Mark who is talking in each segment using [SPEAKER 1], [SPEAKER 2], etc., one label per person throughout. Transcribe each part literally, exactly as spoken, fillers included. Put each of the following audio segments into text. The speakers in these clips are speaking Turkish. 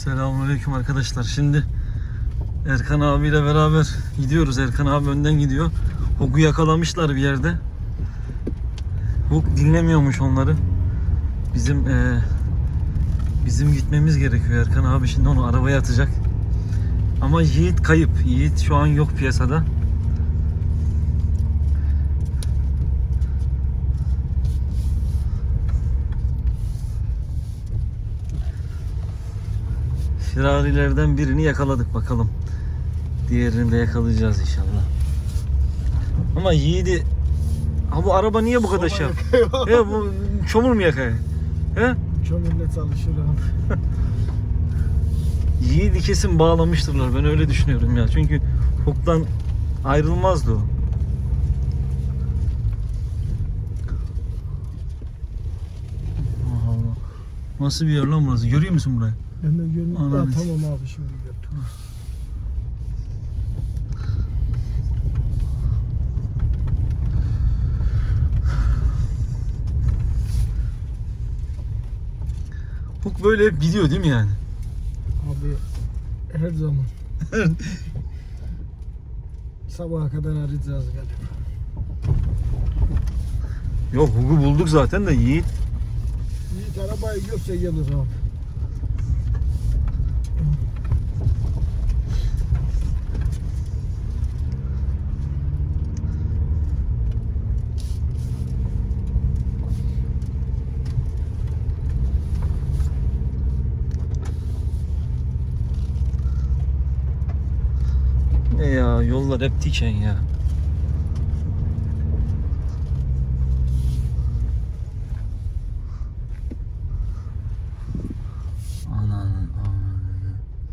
[SPEAKER 1] Selamünaleyküm arkadaşlar. Şimdi Erkan abiyle beraber gidiyoruz. Erkan abi önden gidiyor. Huk'u yakalamışlar bir yerde. Huk dinlemiyormuş onları. Bizim ee, bizim gitmemiz gerekiyor. Erkan abi şimdi onu arabaya atacak. Ama Yiğit kayıp. Yiğit şu an yok piyasada. Firarilerden birini yakaladık, bakalım. Diğerini de yakalayacağız inşallah. Ama Yiğit'i... Ha bu araba niye bu kadar şey? He bu çamur mu yakıyor? He?
[SPEAKER 2] Çamurla çalışırım.
[SPEAKER 1] Yiğit'i kesin bağlamıştırlar. Ben öyle düşünüyorum ya. Çünkü Huk'tan ayrılmazdı o. Allah. Nasıl bir yer lan burası? Görüyor musun burayı?
[SPEAKER 2] Ben de görüyorum.
[SPEAKER 1] Anladım.
[SPEAKER 2] Ya, tamam abi şimdi gördüm.
[SPEAKER 1] Huk böyle hep gidiyor değil mi yani?
[SPEAKER 2] Abi her zaman. Sabaha kadar arayacağız galiba.
[SPEAKER 1] Yok, Huk'u bulduk zaten de Yiğit.
[SPEAKER 2] Yiğit arabayı görse gelir abi.
[SPEAKER 1] Ne ya, yollar hep diken ya. Ananın amanını.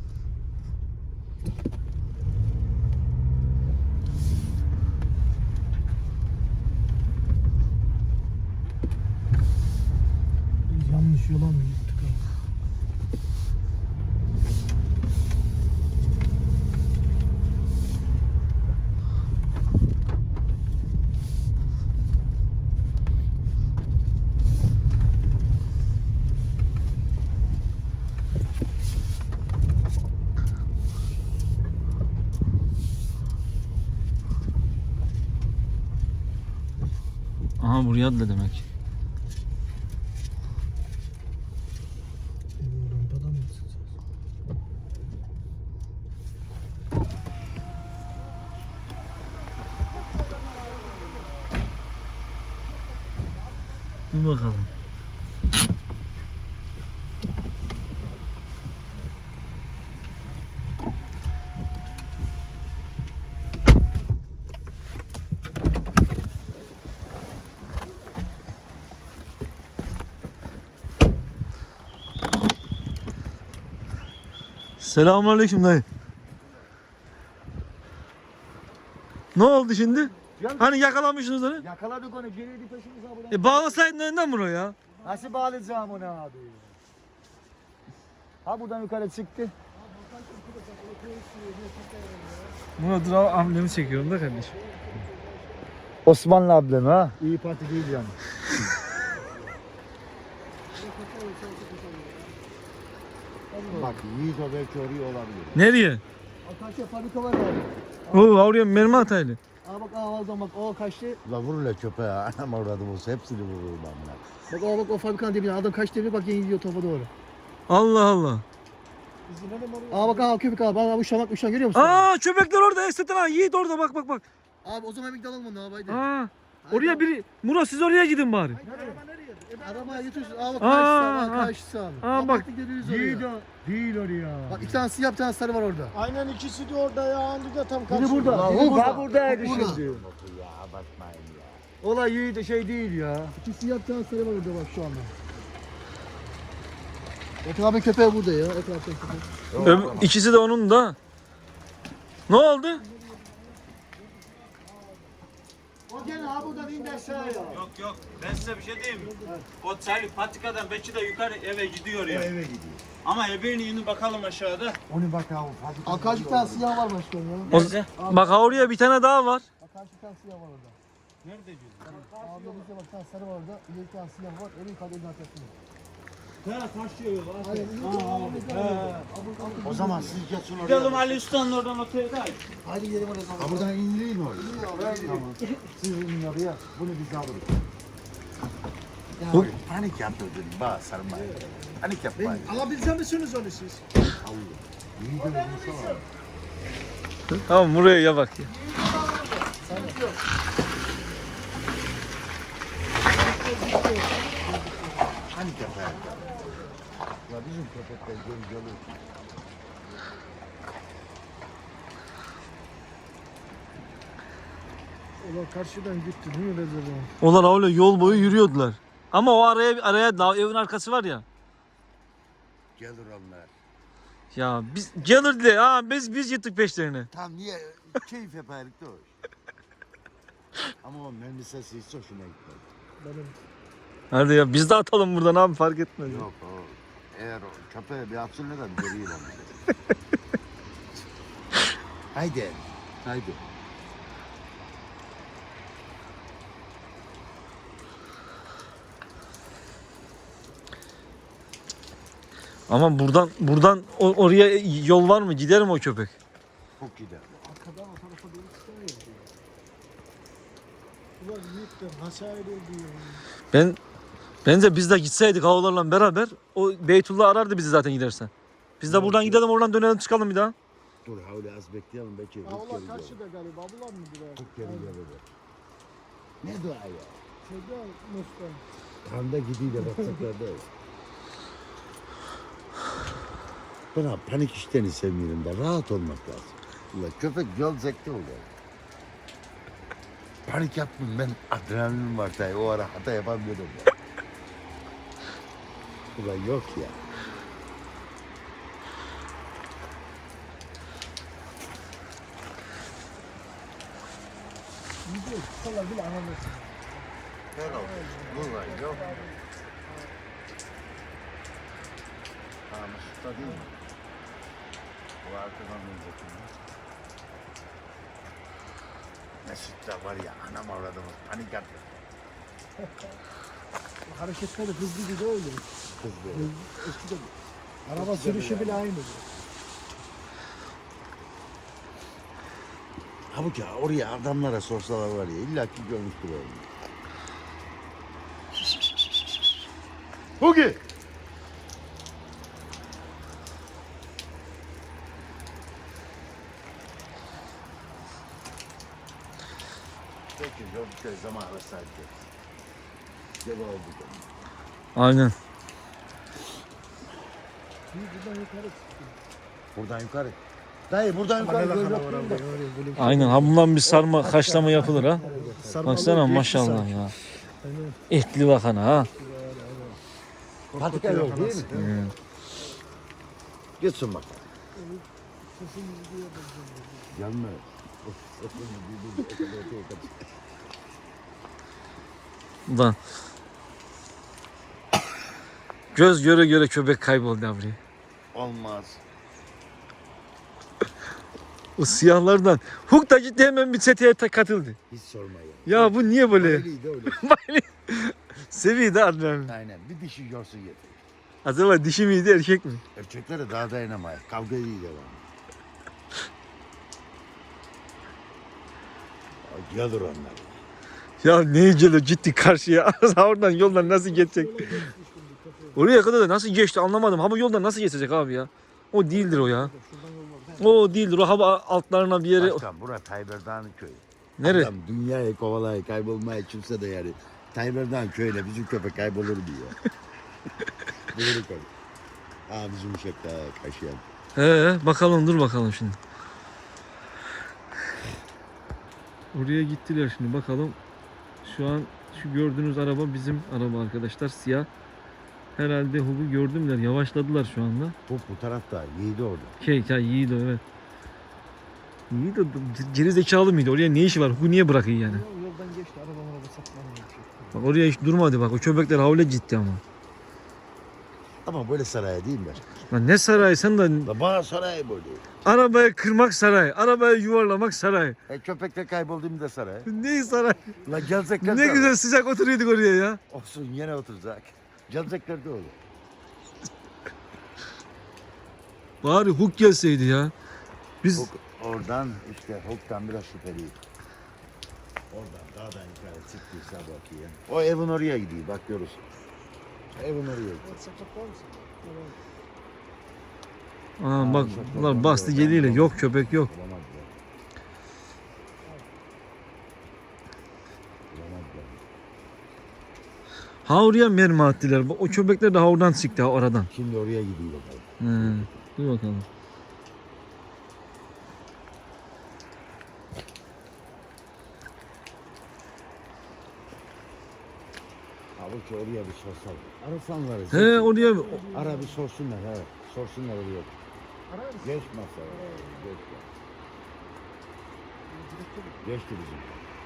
[SPEAKER 2] Biz yanlış yola mı gittik abi?
[SPEAKER 1] Aha buraya atla demek.
[SPEAKER 2] Benim rampadan mı çıkacağız?
[SPEAKER 1] Dur bakalım. Selamünaleyküm dayı. Ne oldu şimdi? Hani yakalamışsınız onu?
[SPEAKER 2] Yakaladık onu, geriydi peşimize buradan.
[SPEAKER 1] E bağlasaydın önden buraya ya.
[SPEAKER 2] Nasıl bağlayacağım onu abi? Ha buradan yukarı çıktı.
[SPEAKER 1] Murat Rav amblemi çekiyorum da kardeşim.
[SPEAKER 2] Osmanlı ablam ha. İyi Parti değil yani.
[SPEAKER 3] Bak Yiğit o belki oraya olabilir.
[SPEAKER 1] Nereye?
[SPEAKER 2] Karşıya fabrika var abi.
[SPEAKER 1] Oo, oraya mermi ataylı.
[SPEAKER 2] Aa bak aa o zaman bak o kaçtı.
[SPEAKER 3] La vur la köpeğe anam avradım olsa hepsini vurur bana.
[SPEAKER 2] Bak aa bak o fabrikanın dibine adam kaçtı devre bak yeni gidiyor topa doğru.
[SPEAKER 1] Allah Allah.
[SPEAKER 2] Aa bak aa köpek abi aa uçan bak uçan görüyor musun?
[SPEAKER 1] Aa köpekler orada, Estet'in ha. Yiğit orada, bak bak bak.
[SPEAKER 2] Abi o zaman bir dalalım onu abi haydi.
[SPEAKER 1] Aa, oraya biri. Murat siz oraya gidin bari.
[SPEAKER 2] Arabaya götürsün. Aa bak
[SPEAKER 1] Aa,
[SPEAKER 2] karşısı
[SPEAKER 1] aa.
[SPEAKER 2] abi karşısı abi.
[SPEAKER 1] Aa, bak.
[SPEAKER 2] Yiğit o.
[SPEAKER 3] Değil oraya.
[SPEAKER 2] Bak iki tane siyah bir tane sarı var orada.
[SPEAKER 4] Aynen ikisi de orada ya. Andı da tam
[SPEAKER 2] Biri
[SPEAKER 4] karşı.
[SPEAKER 2] burada.
[SPEAKER 3] La
[SPEAKER 2] Biri
[SPEAKER 3] Huk
[SPEAKER 2] burada.
[SPEAKER 3] ha buradaydı
[SPEAKER 2] Burada.
[SPEAKER 3] şimdi. Ya bakmayın ya.
[SPEAKER 2] Olay Yiğit de şey değil ya. İki siyah bir tane sarı var orada bak şu anda. Etrafın köpeği burada ya. Etrafın köpeği.
[SPEAKER 1] Öb- İkisi de onun da. Ne oldu?
[SPEAKER 2] O gene ha buradan indi aşağıya.
[SPEAKER 5] Yok yok, ben size bir şey diyeyim mi? O çay patikadan belki de yukarı eve gidiyor ya.
[SPEAKER 3] Eve gidiyor.
[SPEAKER 5] Ama ebeğini inin bakalım aşağıda.
[SPEAKER 3] Onu bakalım. Hadi.
[SPEAKER 2] Aa karşı bir tane siyah var başkanım ya.
[SPEAKER 1] O,
[SPEAKER 5] Nerede?
[SPEAKER 1] bak ha oraya bir tane daha var.
[SPEAKER 2] Aa karşı bir tane siyah var orada.
[SPEAKER 5] Nerede diyorsun?
[SPEAKER 2] Abi bizde bak bir tane sarı var orada. İleri bir tane siyah var. En yukarıda elini arkasında.
[SPEAKER 3] O zaman siz geçin oraya.
[SPEAKER 5] Gidelim Ali Usta'nın oradan otele de.
[SPEAKER 2] Hadi gidelim o zaman.
[SPEAKER 3] Ha, buradan indirin oraya. Tamam. Siz inin oraya. Bunu biz alırız.
[SPEAKER 1] Bu-
[SPEAKER 3] Ya, panik yaptırdın. Bak sarmayın. Panik yapmayın.
[SPEAKER 4] Alabilecek misiniz onu siz?
[SPEAKER 3] İyi de olmuş ama.
[SPEAKER 1] Tamam buraya ya bak ya.
[SPEAKER 3] Panik yapayım. Ya bizim köpekler göl gölü.
[SPEAKER 4] Ulan karşıdan gitti. Niye öyle dedi?
[SPEAKER 1] Onlar öyle yol boyu yürüyordular. Ama o araya araya dağ, evin arkası var ya.
[SPEAKER 3] Gelir onlar.
[SPEAKER 1] Ya biz gelirdi ha biz biz gittik peşlerine.
[SPEAKER 3] Tam niye keyif yapardık da o. Ama o mermi sesi hiç hoşuma gitmedi.
[SPEAKER 4] Benim
[SPEAKER 1] Hadi ya biz de atalım buradan abi fark etmez.
[SPEAKER 3] Yok o. Eğer o köpeğe bir atsın ne de göreyim onu. Haydi. Haydi.
[SPEAKER 1] Ama buradan buradan o- oraya yol var mı? Gider mi o köpek?
[SPEAKER 3] Çok gider.
[SPEAKER 4] arkadan o tarafa doğru çıkıyor. Ulan yiğitler nasıl ayrıldı ya?
[SPEAKER 1] Ben bence biz de gitseydik havalarla beraber o Beytullah arardı bizi zaten gidersen. Biz de buradan gidelim oradan dönelim çıkalım bir daha.
[SPEAKER 3] Dur havle az bekleyelim belki.
[SPEAKER 4] Ha
[SPEAKER 3] Huk
[SPEAKER 4] ulan
[SPEAKER 3] geri gelir.
[SPEAKER 4] karşıda galiba. Bulan mı biraz?
[SPEAKER 3] Huk geri gelir. Ne dua ya?
[SPEAKER 4] Şeyde Mustafa.
[SPEAKER 3] Kanda gidiyle baksaklarda. Ben abi panik işlerini sevmiyorum da rahat olmak lazım. Ulan köpek yol zekti oluyor. Panik yapmayın ben adrenalin var tabii o ara hata yapamıyorum ya. Ulan yok ya.
[SPEAKER 4] Gidiyor. Kısalar bile anlamıyorsun.
[SPEAKER 3] Ne oldu? Ulan yok. Ha Mesut'ta değil mi? O arkadan önceki mi? Mesut'ta var ya anam avradımız panik yapıyor.
[SPEAKER 4] Hareketleri hızlı gibi öyle.
[SPEAKER 3] Kızdı.
[SPEAKER 4] Eskiden araba sürüşü bile aynı.
[SPEAKER 3] Halbuki ya oraya adamlara sorsalar var ya illa ki görmüştür onu. Hugi! Peki yok bir kere zaman arasaydı. Gel oldu.
[SPEAKER 1] Aynen.
[SPEAKER 4] Şimdi buradan yukarı çıktı.
[SPEAKER 3] Buradan yukarı. Dayı buradan yukarı göz yapayım da.
[SPEAKER 1] Aynen ha bundan bir sarma haşlama yapılır ha. Baksana
[SPEAKER 4] geçti
[SPEAKER 1] maşallah
[SPEAKER 4] sanki.
[SPEAKER 1] ya.
[SPEAKER 4] Aynen.
[SPEAKER 1] Etli bakana ha.
[SPEAKER 3] Patika yok değil mi?
[SPEAKER 1] Hmm.
[SPEAKER 3] Gitsin bak.
[SPEAKER 4] Sesimizi duyuyoruz.
[SPEAKER 3] Gelme.
[SPEAKER 1] Ulan. Göz göre göre köpek kayboldu abi.
[SPEAKER 3] Olmaz.
[SPEAKER 1] O siyahlardan. Huk da gitti hemen bir çeteye ta- katıldı.
[SPEAKER 3] Hiç sorma ya.
[SPEAKER 1] Ya bu niye böyle?
[SPEAKER 3] Öyleydi öyle.
[SPEAKER 1] Seviyor da adrenalin.
[SPEAKER 3] Aynen. Bir dişi görsün yeter.
[SPEAKER 1] Acaba dişi miydi erkek mi?
[SPEAKER 3] Erkeklere daha dayanamayız. Kavga iyi devam. Gelir onlar.
[SPEAKER 1] Ya ne geliyor gitti karşıya. Oradan yoldan nasıl geçecek? Oraya kadar da nasıl geçti anlamadım. Ama yoldan nasıl geçecek abi ya? O değildir o ya. O değildir. O hava altlarına bir yere.
[SPEAKER 3] Başkan bura Tayyip Erdoğan'ın köyü.
[SPEAKER 1] Nere?
[SPEAKER 3] Adam dünyayı kovalayı kaybolmaya kimse de yani. Tayyip Erdoğan köyüyle bizim köpek kaybolur diyor. Buyurun koy. Aa bizim uşakta kaşıyan.
[SPEAKER 1] He bakalım dur bakalım şimdi. Oraya gittiler şimdi bakalım. Şu an şu gördüğünüz araba bizim araba arkadaşlar siyah. Herhalde Hug'u gördümler yavaşladılar şu anda.
[SPEAKER 3] Bu bu tarafta yiğidi orada.
[SPEAKER 1] Şey ya Yiğido evet. Yiğido geri zekalı mıydı? Oraya ne işi var? Hug'u niye bırakıyor yani?
[SPEAKER 4] Yoldan geçti. Arabam araba saklanmıyor.
[SPEAKER 1] Bak oraya hiç durmadı bak. O köpekler havle gitti ama.
[SPEAKER 3] Ama böyle saraya değil mi?
[SPEAKER 1] Lan ne saray sen de
[SPEAKER 3] La bana saray böyle.
[SPEAKER 1] arabaya kırmak saray. Arabaya yuvarlamak saray.
[SPEAKER 3] E köpekle kaybolduğum da saray.
[SPEAKER 1] Ne saray?
[SPEAKER 3] La gelecekler
[SPEAKER 1] Ne
[SPEAKER 3] de
[SPEAKER 1] güzel sıcak oturuyorduk oraya ya.
[SPEAKER 3] olsun yine oturacak. Gelecekler de olur.
[SPEAKER 1] Bari Hook gelseydi ya. Biz
[SPEAKER 3] Hook oradan işte Hook'tan biraz şüpheliyim. Oradan dağdan yukarı çıktıysa bakayım. O evin oraya gidiyor bak görürsün. Evin oraya gidiyor.
[SPEAKER 4] WhatsApp'ta mısın?
[SPEAKER 1] Aa, bak bunlar bastı geliyle. Yok köpek yok.
[SPEAKER 3] Bulamazlar. Bulamazlar.
[SPEAKER 1] Ha oraya mermi attılar. O köpekler de ha oradan çıktı ha oradan.
[SPEAKER 3] Şimdi oraya gidiyor bakalım.
[SPEAKER 1] He, dur bakalım.
[SPEAKER 3] Havuç oraya bir sorsan. Arasanlar.
[SPEAKER 1] He oraya
[SPEAKER 3] Ara bir sorsunlar he. Sorsunlar oraya.
[SPEAKER 4] Arar mısın?
[SPEAKER 3] Geç masaya. Geç. Geçti bizim.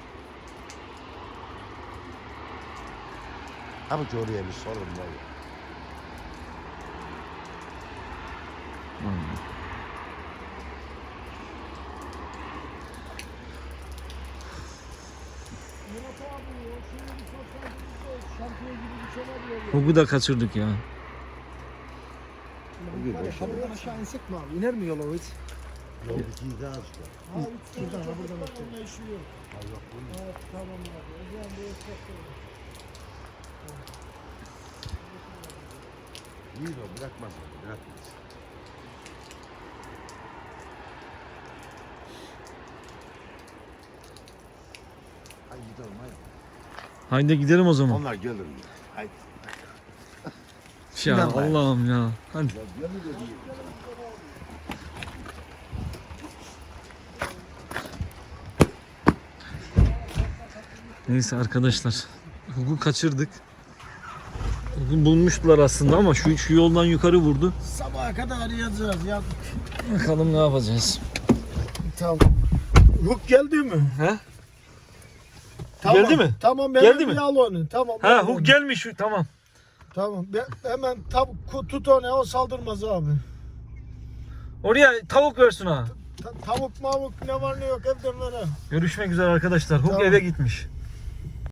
[SPEAKER 3] Havuç oraya bir sorun var.
[SPEAKER 4] Murat abi o şimdi bir sorsaydınız da şampiyon gibi bir şey var ya.
[SPEAKER 1] Hook'u da kaçırdık ya.
[SPEAKER 3] Bugün
[SPEAKER 4] Var ya,
[SPEAKER 3] boşuna.
[SPEAKER 4] şuradan aşağı insek mi abi? İner mi yola o hiç?
[SPEAKER 3] Yol ikiyi daha açtı.
[SPEAKER 4] Ha, üç tane buradan, buradan onunla işi yok.
[SPEAKER 3] Ha yok bunun.
[SPEAKER 4] Ha, tamam abi. O zaman bu esnaf olur.
[SPEAKER 3] İyi de o bırakmaz onu. Bırakmaz. Hadi gidelim hadi.
[SPEAKER 1] Haydi gidelim o zaman.
[SPEAKER 3] Onlar gelir. Haydi.
[SPEAKER 1] Ya
[SPEAKER 3] İnanmayın.
[SPEAKER 1] Allah'ım ya. Hadi.
[SPEAKER 3] Ya gelir de değil.
[SPEAKER 1] Neyse arkadaşlar. Hook'u kaçırdık. Hook'u bulmuştular aslında ama şu, şu yoldan yukarı vurdu.
[SPEAKER 4] Sabaha kadar arayacağız ya.
[SPEAKER 1] Bakalım ne yapacağız.
[SPEAKER 4] Tamam. Hook geldi mi?
[SPEAKER 1] He?
[SPEAKER 4] Tamam.
[SPEAKER 1] Geldi mi?
[SPEAKER 4] Tamam ben
[SPEAKER 1] Geldi
[SPEAKER 4] bir
[SPEAKER 1] mi?
[SPEAKER 4] al onu. Tamam.
[SPEAKER 1] Ha
[SPEAKER 4] al
[SPEAKER 1] Hook
[SPEAKER 4] onu.
[SPEAKER 1] gelmiş. Tamam.
[SPEAKER 4] Tamam. Ben, hemen tam tut onu o saldırmaz abi.
[SPEAKER 1] Oraya tavuk versin ha.
[SPEAKER 4] Ta- tavuk mavuk ne var ne yok evden ver ha.
[SPEAKER 1] Görüşmek üzere arkadaşlar. Hook
[SPEAKER 4] Tamam.
[SPEAKER 1] eve gitmiş.